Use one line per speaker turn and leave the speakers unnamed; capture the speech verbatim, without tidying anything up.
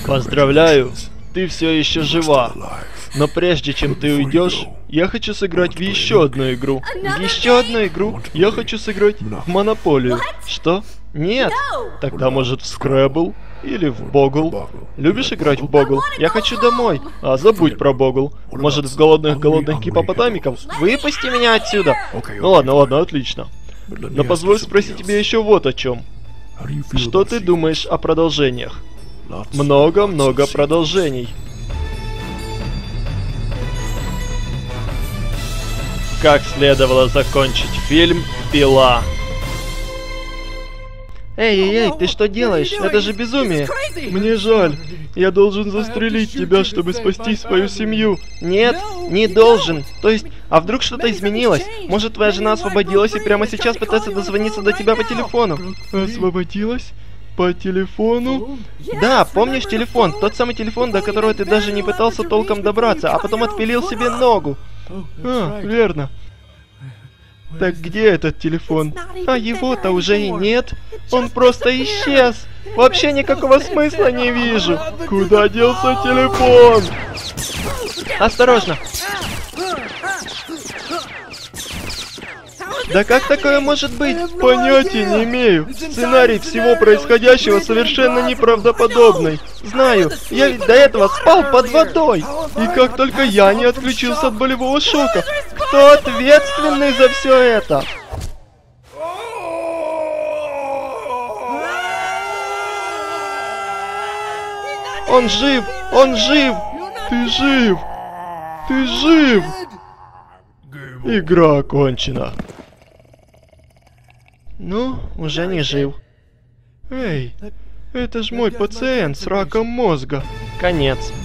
Поздравляю, ты все еще жива. Но прежде чем ты уйдешь, я хочу сыграть в еще одну игру. В еще одну игру? Я хочу сыграть в Монополию. Что? Нет? Тогда может в Scrabble? Или в Богл? Любишь играть в Богл? Я хочу домой. А забудь про Богл. Может в голодных-голодных гипопотамиков? Выпусти меня отсюда. Ну ладно, ладно, отлично. Но позволь спросить тебя еще вот о чем. Что ты думаешь о продолжениях? Много-много продолжений. Как следовало закончить фильм «Пила». Эй, эй, эй, ты что делаешь? Это же безумие. Мне жаль. Я должен застрелить тебя, чтобы спасти свою семью. Нет, не должен. То есть, а вдруг что-то изменилось? Может, твоя жена освободилась и прямо сейчас пытается дозвониться до тебя по телефону? Освободилась? По телефону? Да, помнишь телефон? Тот самый телефон, до которого ты даже не пытался толком добраться, а потом отпилил себе ногу. А, верно. Так где этот телефон? А его-то уже и нет. Он просто исчез. Вообще никакого смысла не вижу. Куда делся телефон? Осторожно. Да как такое может быть? Понятия не имею. Сценарий всего происходящего совершенно неправдоподобный. Знаю, я ведь до этого спал под водой. И как только я не отключился от болевого шока, кто ответственный за все это? Он жив! Он жив! Ты жив! Ты жив! Игра окончена. Ну, уже не жив. Эй, это ж мой пациент с раком мозга. Конец.